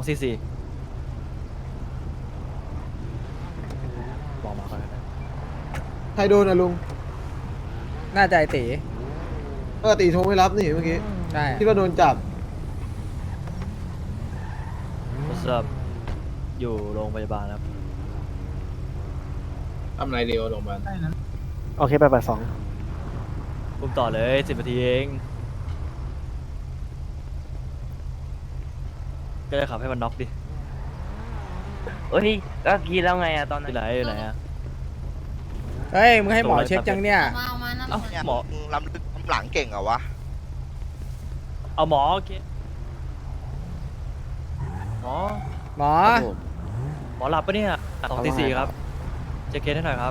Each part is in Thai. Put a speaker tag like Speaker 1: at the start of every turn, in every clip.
Speaker 1: 244บอกมาก่อนนะ
Speaker 2: ใครโดนอะลุง
Speaker 3: น่าจะไอตี
Speaker 2: ปกติโทรไม่รับนี่เมื่อกี้
Speaker 3: ใช่
Speaker 2: คิดว่าโดนจับ
Speaker 1: What's up อยู่โรงพยาบาลครับ
Speaker 4: ทำไรเดียวโรงพยาบาล
Speaker 5: โอเคไป2
Speaker 1: อุ้มต่อเลย10 นาทีเองก็เลยขับให้มันน็อกดิ
Speaker 6: เฮ้ยก็คิดแล้วไงอะตอนนั้
Speaker 1: ที่
Speaker 6: น
Speaker 1: ไหนอยู่ไหนอะ
Speaker 3: เฮ้ยมึงให้หมอเช็คยังเนี่ย
Speaker 7: มาเอามานั่น
Speaker 1: เอ้า
Speaker 8: เนี่ย
Speaker 1: หมอ
Speaker 8: มึงล้ำลึกล้ำหลังเก่งเหรอวะ
Speaker 1: เอาหมอโอเคหมอ
Speaker 3: หมอ
Speaker 1: หมอหลับปะเนี่ย244ครับเช็คเคสให้หน่อยครับ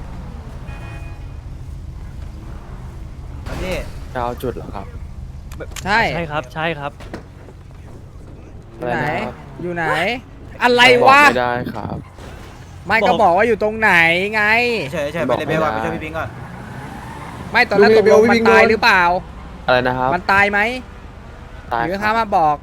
Speaker 4: นี่
Speaker 5: จะเอาจุดเหรอครับ
Speaker 3: ใช่
Speaker 1: ใช่ครับใช่ครับ
Speaker 3: อยู่ไหน อยู่ไหน อะไรวะ
Speaker 5: ไม่ได้ครับ
Speaker 3: ไม่ก็บอกว่าอยู่ตรงไหนไง
Speaker 4: เฉยไปเลยเบลก่อนไปช่วยพี่ปิงก่อน
Speaker 3: ไม่ตอนแรกตกลงมันตายหรือเปล่า
Speaker 5: อะไรนะครับ
Speaker 3: มันตายไหม
Speaker 5: ตาย
Speaker 3: หรือ
Speaker 5: ค
Speaker 3: ข้า
Speaker 5: รับ
Speaker 3: มาบอก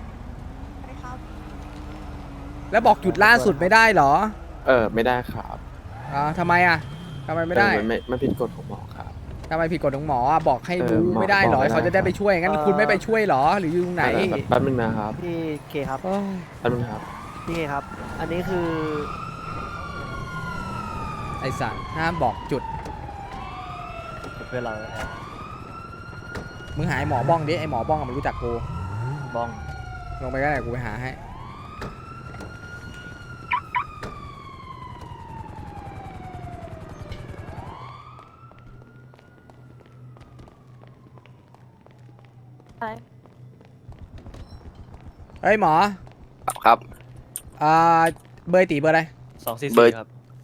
Speaker 3: แล้วบอกจุดล่าสุดไม่ได้เหรอ
Speaker 5: ไม่ได้ครับ
Speaker 3: อ๋อทำไมอ่ะทำไมไม่ได้
Speaker 5: มันผิดกฎของหมอครับ
Speaker 3: ทำไมผิดกฎของหมออ่ะบอกให้รู้
Speaker 5: หมอ
Speaker 3: ไม่ได้เหรอ
Speaker 5: บอกไม่ได้
Speaker 3: เขาจะได้ไปช่วยงั้นคุณไม่ไปช่วยเหรอหรืออยู่ตรงไหน
Speaker 5: แป๊บนึงนะครับ
Speaker 9: พี่เคครับ
Speaker 5: แป๊บนึงครับ
Speaker 9: พี่เคครับ อันนี้คือ
Speaker 3: ไอสัตว์ห้ามบอกจุด
Speaker 1: เพื่อนเราแอบ
Speaker 3: มึงหาไอหมอบ้องดิไอหมอบ้องอะมันรู้จักกู
Speaker 1: บ้อง
Speaker 3: ลงไปก็ได้กูไปหาให้เฮ้ยหมอ
Speaker 8: ครับ
Speaker 3: เบอร์ตีเบอร์อะไร
Speaker 1: 244
Speaker 8: เบอร์
Speaker 1: ครับ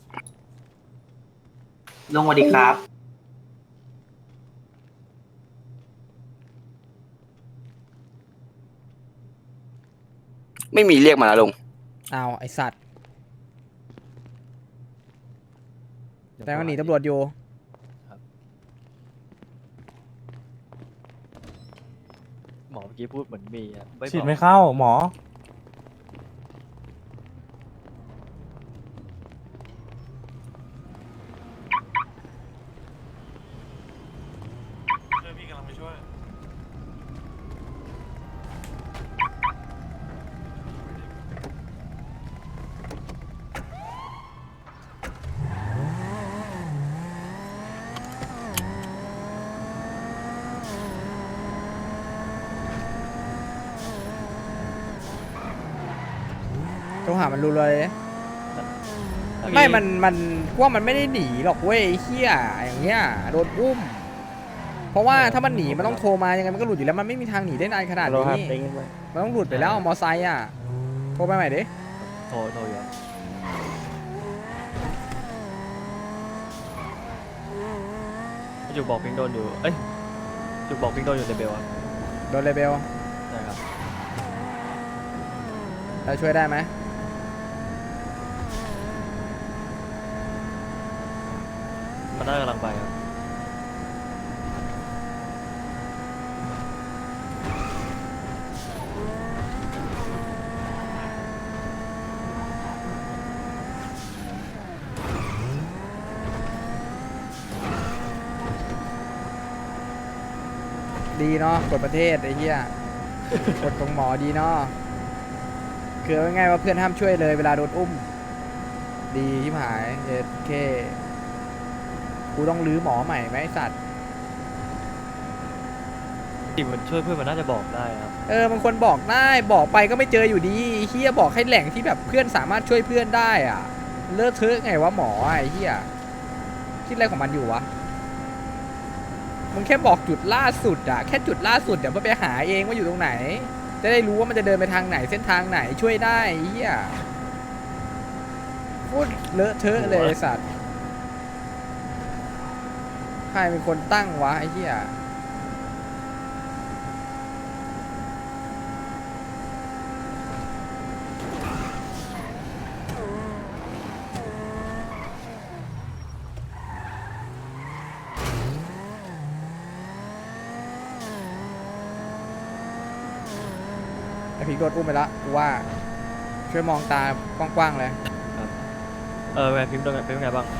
Speaker 6: ลงสวัสดีครับ
Speaker 8: ไม่มีเรียกมาแล้วลุง
Speaker 3: อ้าวไอสัตว์แต่ก็หนีตำรวจอยู่
Speaker 1: หมอเมื่อกี้พูดเหมือนมีอะไม่
Speaker 10: ฉีด
Speaker 1: บอก
Speaker 10: ไม่เข้าหมอ พี่กำลังไปช่วย
Speaker 3: ต้องหามันรู้เลย ไม่มันพวกมันไม่ได้หนีหรอกเว้ยไอ้เฮียอย่างเงี้ยโดนอุ้ม เพราะว่าถ้ามันหนีมันต้องโทรมายังไงมันก็หลุดอยู่แล้วมันไม่มีทางหนีได้นานขนาดนี้มันต้องหลุดไปแล้วมอไซค์อ่ะโทรไปใหม่ดิ
Speaker 1: โทรอยู่ครับจุกบอกพิงโดนอยู่เอ้ยจุกบอกพิงโดนอยู่ในเบลอะ
Speaker 3: โดนเลเบล
Speaker 1: ใช่ครับ
Speaker 3: เราช่วยได้ไหม
Speaker 1: มันน่ากำลังไปครับ
Speaker 3: ดีเนาะกฎประเทศไอ้เหี้ย กฎของหมอดีเนาะคือเอาง่ายๆว่าเพื่อนห้ามช่วยเลยเวลาโดนอุ้ม ดีที่หายเอเคกูต้องรื้อหมอใหม่ไหมไอ้สัตว์
Speaker 1: จริงมันช่วยเพื่อนมันน่าจะบอกได้ครับ
Speaker 3: มันควรบอกได้บอกไปก็ไม่เจออยู่ดีไอ้เฮียบอกให้แหล่งที่แบบเพื่อนสามารถช่วยเพื่อนได้อ่ะเลอะเทอะไงวะหมอไอ้เฮียคิดอะไรของมันอยู่วะมึงแค่บอกจุดล่าสุดอ่ะแค่จุดล่าสุดเดี๋ยวมันไปหาเองว่าอยู่ตรงไหน จะได้รู้ว่ามันจะเดินไปทางไหนเส้นทางไหนช่วยได้ไอ้เฮียพูดเลอะเทอะเลยไอ้สัตว์ใครเป็นคนตั้งวะไอ้เฮีย ไอพีโดนอุ้มไปละกูว่าช่วยมองตากว้างๆเลย
Speaker 1: ไงพิมพ์เป็นไงบ้าง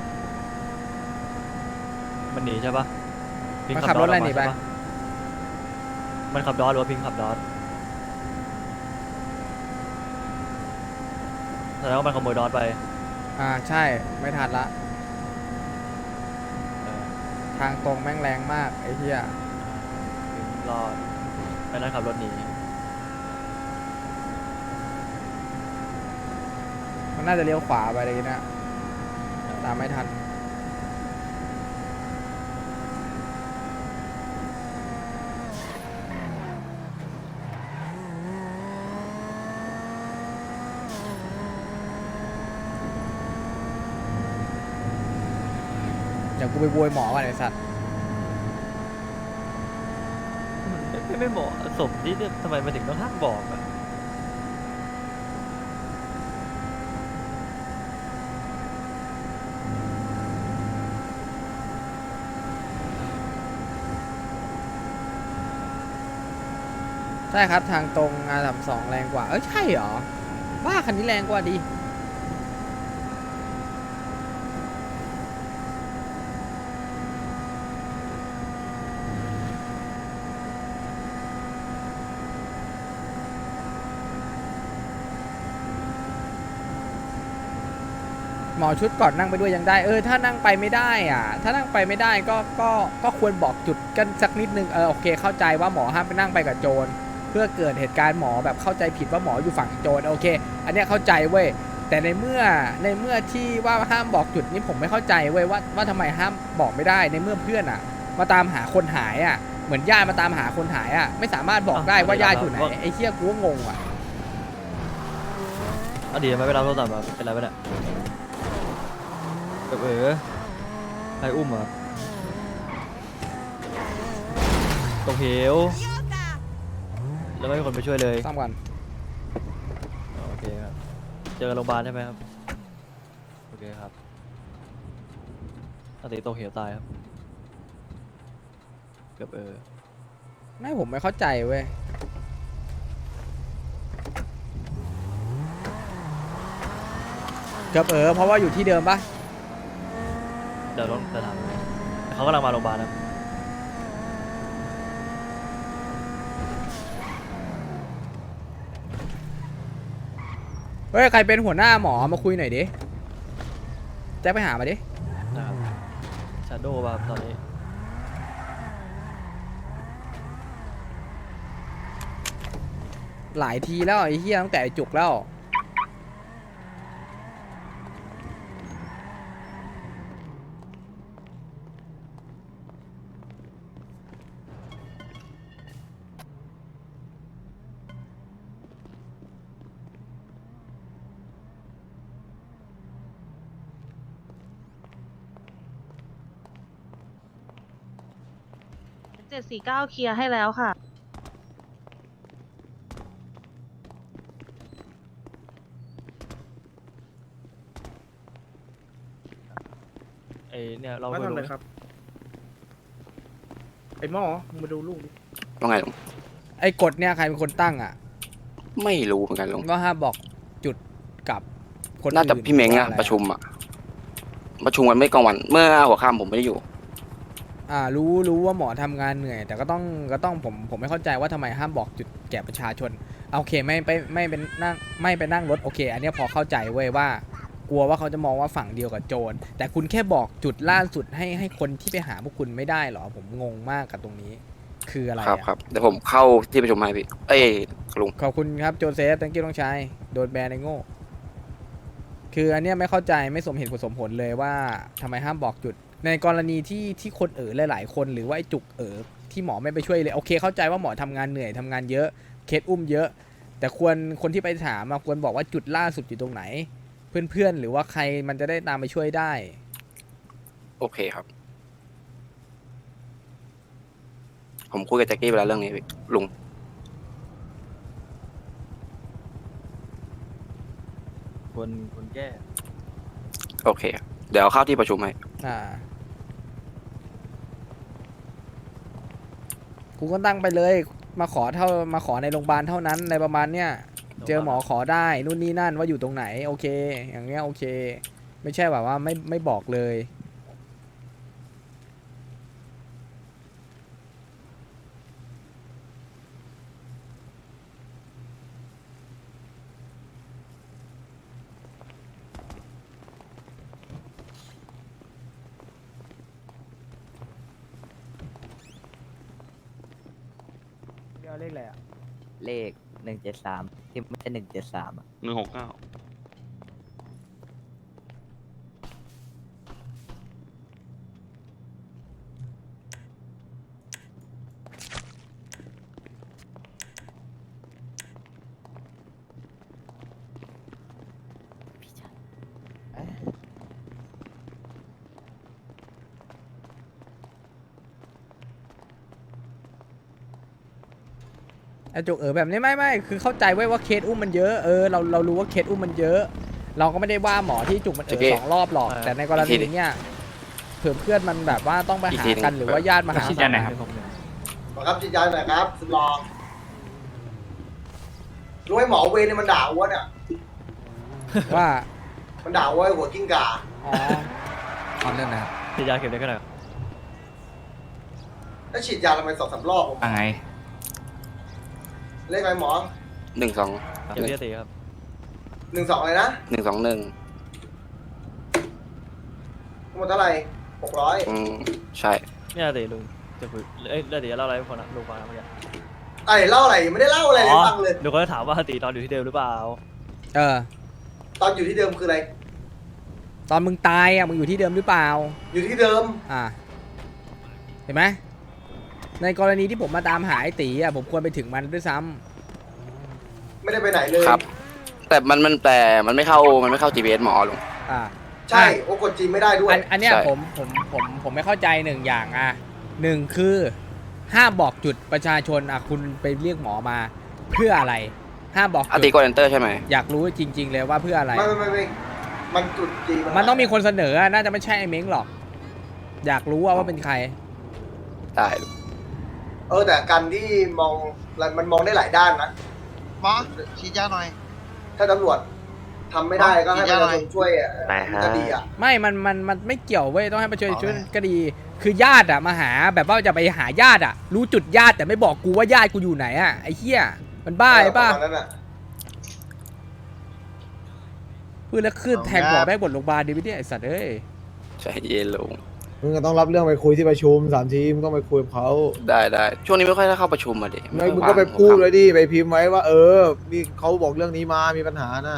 Speaker 1: มันหนีใช่ปะพิง
Speaker 3: มันขับรถอะไรหนีไป
Speaker 1: ใช่ะมันขับดอสหรือว่าพิงขับดอสแสดงว่ามันขโมยดอสไป
Speaker 3: ใช่ไม่ทันละ
Speaker 1: เออ
Speaker 3: ทางตรงแม่งแรงมากไอ้เหี้ย
Speaker 1: พิงรอดไอ้นั่นขับรถหนี
Speaker 3: มันน่าจะเลี้ยวขวาไปเลยนะตามไม่ทัน เดี๋ยวกูไปโวยหมอก่อนไอ้สัตว์
Speaker 1: ไม่เหมาะสมที่ทำไมมันถึงต้องห้ามบอกอะ
Speaker 3: ใช่ครับทางตรงR32แรงกว่าใช่เหรอบ้าคันนี้แรงกว่าดิหมอชุดก่อนนั่งไปด้วยยังได้ถ้านั่งไปไม่ได้ถ้านั่งไปไม่ได้ก็ควรบอกจุดกันสักนิดนึงโอเคเข้าใจว่าหมอห้ามไปนั่งไปกับโจรเพื่อเกิดเหตุการณ์หมอแบบเข้าใจผิดว่าหมออยู่ฝั่งโจรโอเคอันเนี้ยเข้าใจเว้ยแต่ในเมื่อที่ว่าห้ามบอกจุดนี้ผมไม่เข้าใจเว้ยว่าทำไมห้ามบอกไม่ได้ในเมื่อเพื่อนมาตามหาคนหายเหมือนญาติมาตามหาคนหายไม่สามารถบอกได้ว่าญาติอยู่ไหนไอ้เหี้ยกูก็งง
Speaker 1: ดีทำไมไม่รับโทรศัพท์เป็นไรไปเนี่ยใครอุ้มอ่ะตกเหวแล้วไม่มีคนไปช่วยเลย
Speaker 3: ซ้ำกัน
Speaker 1: โอเคครับเจอโรงพยาบาลใช่ไหมครับโอเคครับตกเหวตายครับเกือบ
Speaker 3: ไม่ผมไม่เข้าใจเว้ยเกือบเพราะว่าอยู่ที่เดิมปะ
Speaker 1: เดี๋ยวต้องถามเขากำลังมาโรงพยาบาลนะ
Speaker 3: เฮ้ยใครเป็นหัวหน้าหมอมาคุยหน่อยดิแจ็คไปหามาดิ
Speaker 1: นะครับชาโดว์ป่ะตอนนี้
Speaker 3: หลายทีแล้วไอ้เหี้ยตั้งแต่ไอ้จุกแล้ว
Speaker 7: 749เคลียร์ให้แล้วค่ะ
Speaker 1: ไอเนี่ยเรา
Speaker 4: มาทำอะไรครับ ไอ้หมอมึงมาดูลูกดิ
Speaker 8: ว่าไงลุง
Speaker 3: ไอ้กฎเนี่ยใครเป็นคนตั้ง
Speaker 8: ไม่รู้เหมือนกันลุง
Speaker 3: ก็ห้ามบอกจุดกับคนอื่น
Speaker 8: น่าจะพี่เม้ง
Speaker 3: ว่า
Speaker 8: ประชุมกันไม่กลางวัน เมื่อหัวค่ำผมไม่ได้อยู่
Speaker 3: รู้ว่าหมอทำงานเหนื่อย แต่ก็ต้องผมไม่เข้าใจว่าทำไมห้ามบอกจุดแก่ประชาชนโอเคไม่ไปนั่งรถโอเค อันนี้พอเข้าใจเว้ยว่ากลัวว่าเขาจะมองว่าฝั่งเดียวกับโจรแต่คุณแค่บอกจุดล่าสุดให้คนที่ไปหาพวกคุณไม่ได้หรอผมงงมากกับตรงนี้คืออะไร
Speaker 8: ครับเดี๋ยวผมเข้าที่ประชุมให้พี่ลุง
Speaker 3: ขอบคุณครับโจเซฟตังกี้ต้องใช้โดนแบนในโง่คืออันเนี้ยไม่เข้าใจไม่สมเหตุสมผลเลยว่าทำไมห้ามบอกจุดในกรณีที่คนหลายๆคนหรือว่าไอ้จุกที่หมอไม่ไปช่วยเลยโอเคเข้าใจว่าหมอทำงานเหนื่อยทำงานเยอะเคสอุ้มเยอะแต่คนที่ไปถามควรบอกว่าจุดล่าสุดอยู่ตรงไหนเพื่อนหรือว่าใครมันจะได้ตามไปช่วยได้
Speaker 8: โอเคครับ ผมคุยกับแจ็คกี้ไปแล้วเรื่องนี้พี่ลุง
Speaker 1: คนแก้
Speaker 8: โอเคครับเดี๋ยวเข้าที่ประชุมให้
Speaker 3: กูก็ตั้งไปเลยมาขอในโรงพยาบาลเท่านั้นในประมาณเนี้ยเจอหมอขอได้นู่นนี่นั่นว่าอยู่ตรงไหนโอเค อย่างเงี้ยโอเค ไม่ใช่แบบว่าไม่บอกเลย
Speaker 9: เดี๋ยวเลขอะไรอ่ะ
Speaker 6: เลข173ที่ไม่ใช่173อ่ะ
Speaker 10: 169
Speaker 3: ไอ้จุกแบบนี้ไม่คือเข้าใจไว้ว่าเคสอุ้มมันเยอะเรารู้ว่าเคสอุ้มมันเยอะ เราก็ไม่ได้ว่าหมอที่จุกมัน2 รอบหรอกแต่ในกรณีเนี้ยเผื่อเพื่อนมันแบบว่าต้องไปหากันหรือว่าญาติมาหา
Speaker 1: ยันไหนครับ
Speaker 2: ครับจิตใจหน่อยครับสุดรองรู้ไหมหมอเวรเนี่ยมันด่าอ้วนอ่ะ
Speaker 3: ว่า
Speaker 2: มันด่าอ้วนหัวกิ้งก่า
Speaker 3: อ๋อเอาเรื่องนะ
Speaker 1: ฉีดยาเข็มได้ขนาด
Speaker 2: แล้วฉีดยาทำไม2-3 รอบผม
Speaker 10: ไง
Speaker 2: เลขอะไรหมอ
Speaker 1: เข็มที่4ครับ
Speaker 2: 12อะไรนะ
Speaker 8: 121
Speaker 2: ทั้งหมดเท่าไหร่600
Speaker 8: ใช่
Speaker 1: เนี่ยสิลุงจะคุยเอ้ยเดี๋ยวเล่าอะไรให้คนนะลุงฟังนะเมื่อกี้
Speaker 2: ไอ้เล่าอะไรยังไม่ได้เล่าอะไรเลยฟังเลย
Speaker 1: ลุงก็ถามว่าตีตอนอยู่ที่เดิมหรือเปล่า
Speaker 2: ตอนอยู่ที่เดิมคืออะไร
Speaker 3: ตอนมึงตายอ่ะมึงอยู่ที่เดิมหรือเปล่า
Speaker 2: อยู่ที่เดิม
Speaker 3: เห็นไหมในกรณีที่ผมมาตามหาไอ้ตีอ่ะผมควรไปถึงมันด้วยซ้ำ
Speaker 2: ไม่ได้ไปไหนเลย
Speaker 8: ครับ แต่มันไม่เข้า GPS หมอลุง
Speaker 2: ใช่โอ้กดจีนไม่ได้ด้วย
Speaker 3: อันเนี้ย
Speaker 8: ใช่
Speaker 3: ผมไม่เข้าใจ1 อย่าง1คือห้ามบอกจุดประชาชนคุณไปเรียกหมอมาเพื่ออะไรห้ามบอก
Speaker 8: อา
Speaker 3: จุ
Speaker 8: ติ
Speaker 3: ด
Speaker 8: กดเอนเตอร์ใช่ไหม
Speaker 3: อยากรู้จริง ๆ เลยว่าเพื่ออะไร
Speaker 2: ไม่มันจุดจีน
Speaker 3: มันต้องมีคนเสนอน่าจะไม่ใช่ไอ้เม้งหรอก อยากรู้ว่าเป็นใคร
Speaker 8: ได้ลุง
Speaker 2: แต่การที่มันมองได้หลายด้านนะ
Speaker 9: หมอฉีดยาหน่อย
Speaker 2: ถ้าตำรวจทำไม่ได้ก็ให้ประชาชนช่วย
Speaker 6: ไปฮะ
Speaker 2: ก็ดีอ่ะ
Speaker 3: มันไม่เกี่ยวเว้ยต้องให้ประชาชนก็ดี คือญาติมาหาแบบว่าจะไปหาญาติรู้จุดญาติแต่ไม่บอกกูว่าญาติกูอยู่ไหนไอ้เหี้ยมันบ้าไอ้ป่ะ
Speaker 2: ประมาณนั้นน่ะ
Speaker 3: พูดแล้วขึ้นแทงหัวแม่งบนโรงพยาบาลดีไม่ได้ไอ้สัตว์เอ้ย
Speaker 8: ใจเย็นลุง
Speaker 2: มึงก็ต้องรับเรื่องไปคุยที่ประชุม3 ทีมก็ไปคุยกับเขา
Speaker 8: ได้ช่วงนี้ไม่ค่อยได้เข้าประชุมมาดิ
Speaker 2: ไม่มึงก็ไปพูดเลยดิไปพิมพ์ไว้ว่ามีเขาบอกเรื่องนี้มามีปัญหาน่ะ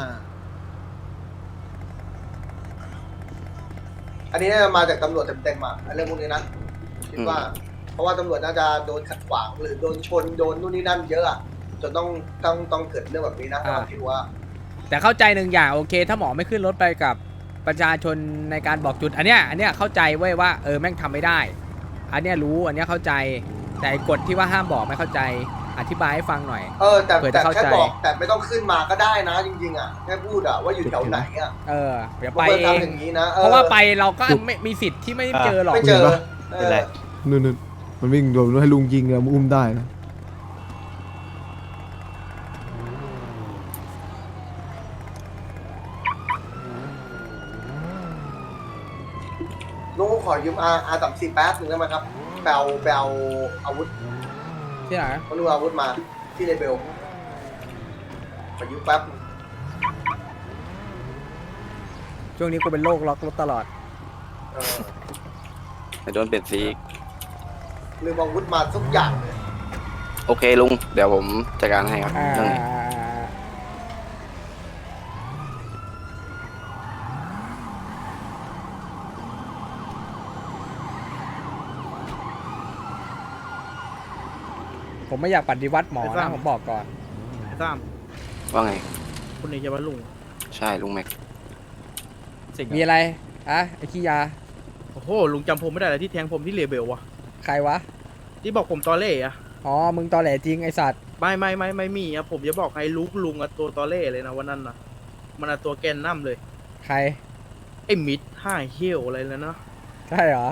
Speaker 2: อันนี้น่าจะมาจากตำรวจเต็มๆอ่ะเรื่องพวกนี้นะคิดว่า เพราะว่าตำรวจน่าจะโดนขัดขวางหรือโดนชนโดนนู่นนี่นั่นเยอะอ่ะจนต้องเกิดเรื่องแบบนี้นะคิดว่า
Speaker 3: แต่เข้าใจ1 อย่างโอเค ถ้าหมอไม่ขึ้นรถไปกับประชาชนในการบอกจุดอันเนี้ยเข้าใจเว้ยว่าแม่งทำไม่ได้ อันเนี้ยรู้อันเนี้ยเข้าใจแต่กฎที่ว่าห้ามบอกไม่เข้าใจอธิบายให้ฟังหน่อย
Speaker 2: แต่แค่บอกแต่ไม่ต้องขึ้นมาก็ได้นะจริงๆอ่ะแค่พูดอ่ะว่าอยู่แถวไหนอ่ะ
Speaker 3: เดี๋ยวไปเอง
Speaker 2: อย่างนี้นะ
Speaker 3: เพราะว่าไปเราก็ไม่มีสิทธิ์ที่ไม่เจอหรอก
Speaker 2: ไม่เจอ
Speaker 1: เป็นไร
Speaker 2: นู่นมันวิ่งโดนให้ลุงยิงเลยมึงอุ้มได้นะลุงขอยืมR30แป๊บนึงได้ไหมครับแปลอาวุธ
Speaker 3: ที่ไหน
Speaker 2: เขาดูอาวุธมาที่เลเบลขอยืมแป๊บ
Speaker 3: ช่วงนี้กูเป็นโรคล็อกรถตลอด
Speaker 8: ไม่โดนเปลี่ยนสีอีก
Speaker 2: ลืมอาวุธมาทุกอย่างเลย
Speaker 8: โอเคลุง เดี๋ยวผมจัดการให้ครับเรื่องนี้
Speaker 3: ผมไม่อยากปฏิวัติหมอนะผมบอกก่อน
Speaker 4: ซ้
Speaker 8: ว่าไง
Speaker 4: ำคุณนี่จะว่าลุง
Speaker 8: ใช่ลุงแม็ก
Speaker 1: สิ่ง
Speaker 3: มีอะไรไอ้ขี้ยา
Speaker 4: โอ้โหลุงจำผมไม่ได้เลยที่แทงผมที่เลเบลวะ
Speaker 3: ใครวะ
Speaker 4: ที่บอกผมตอเล่อะ
Speaker 3: อ๋อมึงตอแหลจริงไอสัตว์
Speaker 4: ไม่มีอะผมจะบอกให้ลุงอะตัวตอเล่เลยนะวันนั้นนะมันอะตัวแกนน้ำเลย
Speaker 3: ใคร
Speaker 4: ไอ้มิดห้าเหี้ยวอะไรแล้วนะ
Speaker 3: ใช่เหรอ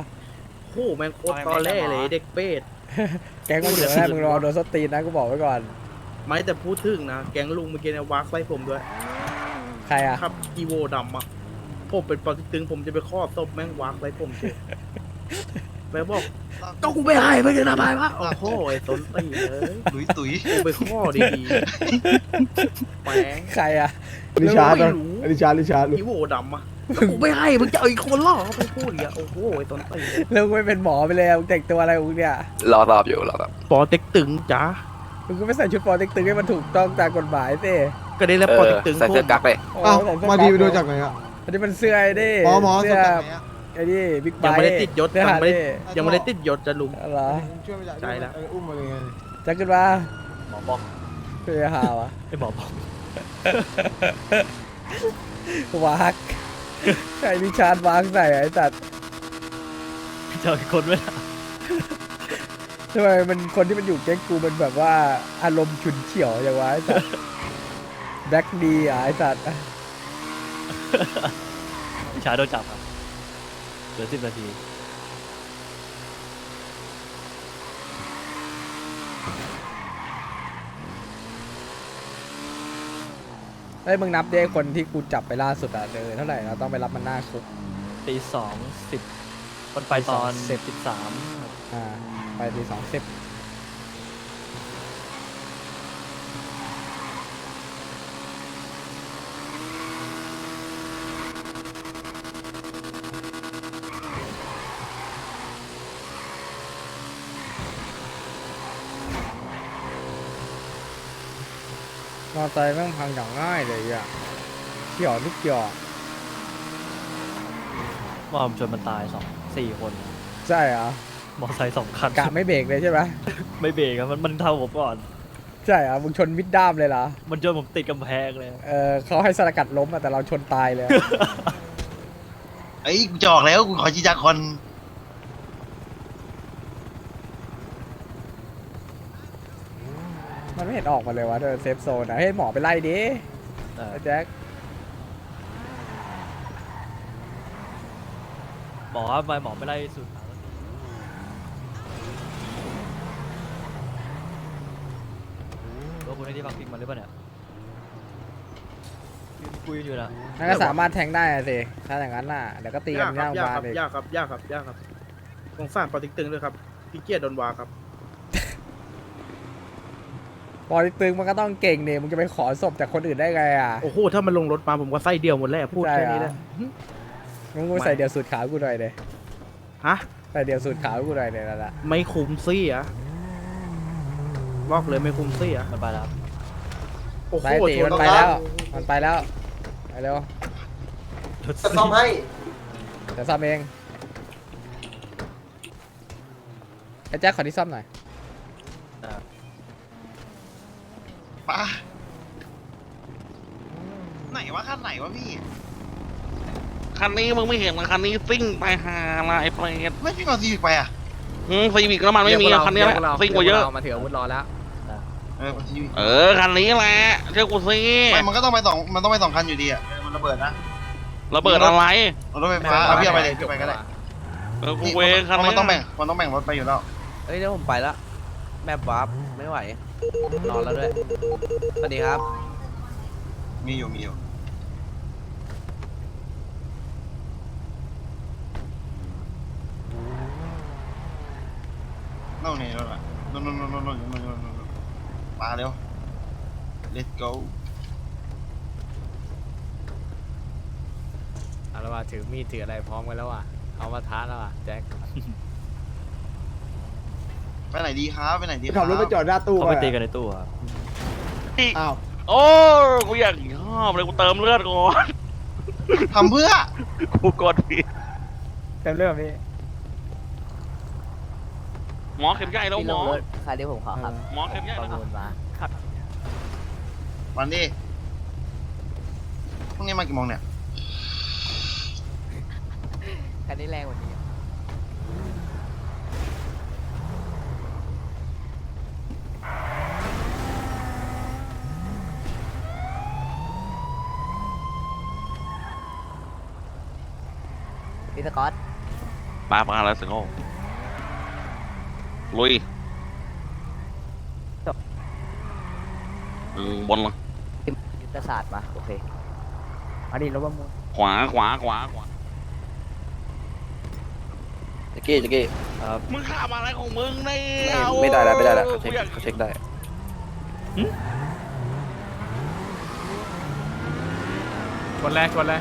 Speaker 4: โอ้โหแม่งโคตรตอเล่เลยเด็กเป็ด
Speaker 3: แกงมันเดี๋ยวได้มึงรอโดนสตีนนะกูบอกไว้ก่อน
Speaker 4: ไม่แต่พูดถึงนะแก๊งลุงเมื่อกี้เนี่ยวากไล่ผมด้วย
Speaker 3: ใครอ่ะ
Speaker 4: ครับอีโวดำอ่ะผมเป็นปอติ๊กตึงผมจะไปครอบศพแม่งวากไล่ผมเฉยแม่บอกก็กูไม่ให้ไม่จะทำไมวะโอ้โหไอ้ต้นตีเลย
Speaker 9: ตุยตุย
Speaker 4: กูไปข้อดีๆแปง
Speaker 3: ใครอ่ะ
Speaker 4: ริชาร์ด
Speaker 3: ริชาร์ด
Speaker 4: อีโวดำอ่ะก็กูไม่ให้มึงจะเอาอีกคนล่อเขาไปพูดอย่างเงี้ยโอ้โหไอ้ต้นตี
Speaker 3: แล้วกูไม่เป็นหมอไปเลยอะมึงแต่งตัวอะไรของมึงเนี่ย
Speaker 8: รอตอบอยู่รอตอบ
Speaker 4: ปอติ๊กตึงจ้า
Speaker 3: มึงก็ไม่ใส่ชุดปอเต็กตึงให้มันถูกต้องตามกฎหมายสิ
Speaker 4: ก็ได้แล้วปอติ๊กตึง
Speaker 8: ใส่เสื้อกั๊กเลย
Speaker 3: อ้าว
Speaker 9: มาดีไปดูจากไหนอ่ะ
Speaker 3: อันนี้มันเสื้อไอ้นี่
Speaker 9: หมอ
Speaker 3: เสื้อ
Speaker 9: จากไหนอ่ะ
Speaker 3: ไอ้นี่บิ๊กไบ
Speaker 4: ยังไม่ได้ติดยศ
Speaker 3: เสื้อ
Speaker 4: ยังไม่ได้ติดยศจะลุง
Speaker 3: เหรอ
Speaker 9: ช่วยไม่ได้
Speaker 4: ใช่แล้ว
Speaker 9: อุ้มมาเลยไง
Speaker 3: จะขึ้นมา
Speaker 1: หมอบอก
Speaker 3: เพื่อหาวะ
Speaker 1: ไอ้หมอบอก
Speaker 3: วักไอ้ริชาร์ดวักใส่ไอ้สัตว์
Speaker 1: เจออีกคนไหมล่ะ
Speaker 3: ทำไมมันคนที่มันอยู่แก๊งกูมันแบบว่าอารมณ์ฉุนเฉียวอย่างวะไอ้สัตว์แบ็คดีอ่ะไอ้สัตว์
Speaker 1: พี่ชายโดนจับครับเหลือ10 นาที
Speaker 3: ไอ้ยมึงนับดิคนที่กูจับไปล่าสุดอ่ะเท่าไหร่เราต้องไปรับมันหน้าคุก
Speaker 1: 2:10มันไปตอน
Speaker 3: ตี
Speaker 1: 13
Speaker 3: อ่าไปตี20มอไซค์แม่งพังอย่างง่ายเลยอ่ะเกี่ยวทุกเกี่ยว
Speaker 1: ว่าผมชนมันตาย4 คน
Speaker 3: ใช่เหรอ
Speaker 1: มอไซค์2 คัน
Speaker 3: กะไม่เบรกเลยใช่ไหม
Speaker 1: ไม่เบรกครับมันเท่าผมก่อน
Speaker 3: ใช่เหรอมึงชนมิดด้ามเลยเหรอ
Speaker 1: มันจนผมติดกำแพงเลย
Speaker 3: เขาให้สกัดล้มอะแต่เราชนตายเลยอะ
Speaker 9: ไอ้ยกูจะออกแล้วกูขอชี้จากคน
Speaker 3: มันไม่เห็นออกมาเลยวะเดินเซฟโซนอะให้หมอไปไล่ดิไอ้แจ็ค
Speaker 1: หมอครับทำไมหมอไม่ไล่สุดแล้วคุณให้ที่พักพิงมันหรือเปล่าเนี่ยคุยอยู่นะ
Speaker 3: นั่นก็สามารถแทงได้อะสิถ้าอย่างนั้นน่ะเดี๋ยวก็ตีกันหน้าโรงพยาบาลเลย
Speaker 4: ยากครับสงสารปอติ๊กตึงด้วยครับพี่เกียรติโดนวาครับ
Speaker 3: พอตึงมันก็ต้องเก่งเนี่ยมึงจะไปขอศพจากคนอื่นได้ไงอ่ะ
Speaker 4: โอ้โหถ้ามันลงรถมาผมก็ไส้เดียวหมดแล้วพูดแค่นี้แหละ
Speaker 3: มึงกูใส่เดี่ยวสูตรขาวกูหน่อยเลย
Speaker 4: ฮะ
Speaker 3: ใส่เดี่ยวสูตรขาวกูหน่อยเลยนั่นแหละ
Speaker 4: ไม่คุ้มซี่อะบอกเลยไม่คุ้มซี่อะ
Speaker 1: มันไปแล้ว
Speaker 4: โอ้โห
Speaker 3: ไปตี
Speaker 4: ช
Speaker 3: มันไปแล้วมันไปแล้วไปเร็ว
Speaker 2: จะซ่อมให้
Speaker 3: เดี๋ยวซ่อมเองไอ้แจ็คขอที่ซ่อมหน่อย
Speaker 9: ป้าไหนวะขั้นไหนวะพี่
Speaker 8: คันนี้มึงไม่เห็นมันคันนี้ซิ่งไปหาอะไรไอ้เปรต
Speaker 9: ไม่พี่ก่อนซีวิกไปอ่ะ
Speaker 8: ซีวิกน้ำมันไม่มีอะคันนี้แหละซิ่งกว่าเยอะ
Speaker 3: มาถืออาวุธรอแล้ว
Speaker 9: ซีวิก
Speaker 8: คันนี้แหละเชื่อกูสิ
Speaker 9: ไม่มันก็ต้องไปสองมันต้องไป2 คันอยู่ดีอ่ะมันระเบิดนะ
Speaker 8: ระเบิดอะไร
Speaker 9: รถไฟฟ้าเอาพี่เอาไปเลยไปก็ได้
Speaker 8: กูเวงคันนี้
Speaker 9: มันต้องแบ่งรถไปอยู่แล้ว
Speaker 6: เอ้ยเดี๋ยวผมไปละแมปวาร์ปไม่ไหว นอนแล้วด้วย สวัสดีครับ
Speaker 9: มีอยู่นั่นนี่รถอ่ะนู่นมาเร็ว let's go
Speaker 3: เอาละว่าถือมีดถืออะไรพร้อมกันแล้วอ่ะเอามาท้าแล้วอ่ะแจ็ค
Speaker 9: ไปไหนดีครับไปไหนดี
Speaker 10: ขับรถไปจอดหน้าตู้
Speaker 1: เขาไปตีกันในตู้ครับ
Speaker 10: อ้าว
Speaker 8: โอ้กูอยากชอบเลยกูเติมเลือดก่อน
Speaker 9: ทำเพื่อ
Speaker 8: กูกดผิด
Speaker 3: เต็มเรื่องพี่
Speaker 8: หมอเข็มใหญ่แล้วหมอ
Speaker 6: ใครที่ผมขอครับ
Speaker 8: หมอเข็มใหญ่แล้ว
Speaker 9: วันนี้พรุ่งนี้มากี่โมงเนี่ย
Speaker 6: คันนี้แรงกว่านี้พี่สกอต
Speaker 8: มาแล้วสิโง่ลุยบนละ
Speaker 10: ยุทธศาสตร์มาโอเคมาดิรถประมูล
Speaker 8: ขวาขวาขวาขวา
Speaker 6: แจ็คกี้
Speaker 1: ครับ
Speaker 8: มึงขับอะไรของมึงเนี่ย
Speaker 6: ไม่ได้แล้วเขา
Speaker 8: กูอยาก
Speaker 6: เช็คได้
Speaker 3: ชนเลย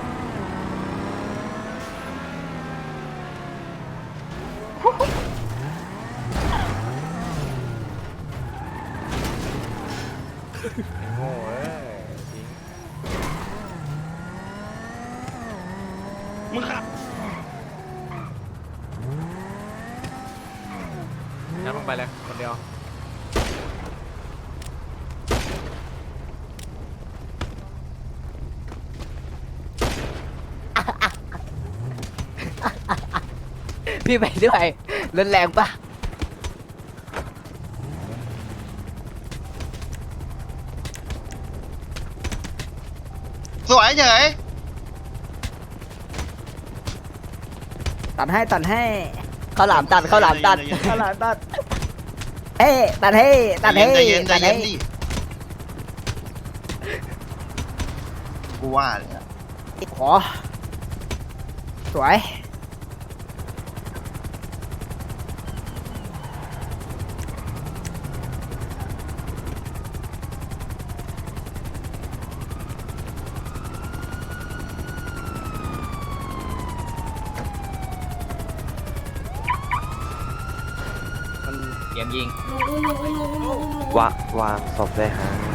Speaker 3: โง่เอ้ยจริง
Speaker 8: มึงขับ
Speaker 3: นั่งลงไปเลยคนเดียว
Speaker 10: พี่ไปด้วยรถแรงปะ
Speaker 9: สวยเฉย
Speaker 10: ตัดให้ข้าวหลามตัดข้าวหลามตัดเฮ้ตัดให้
Speaker 9: ใจเย็นดิกูว่าเลยอะ
Speaker 10: ขอสวยมันเตรียมยิง
Speaker 6: วางศพเลยฮะ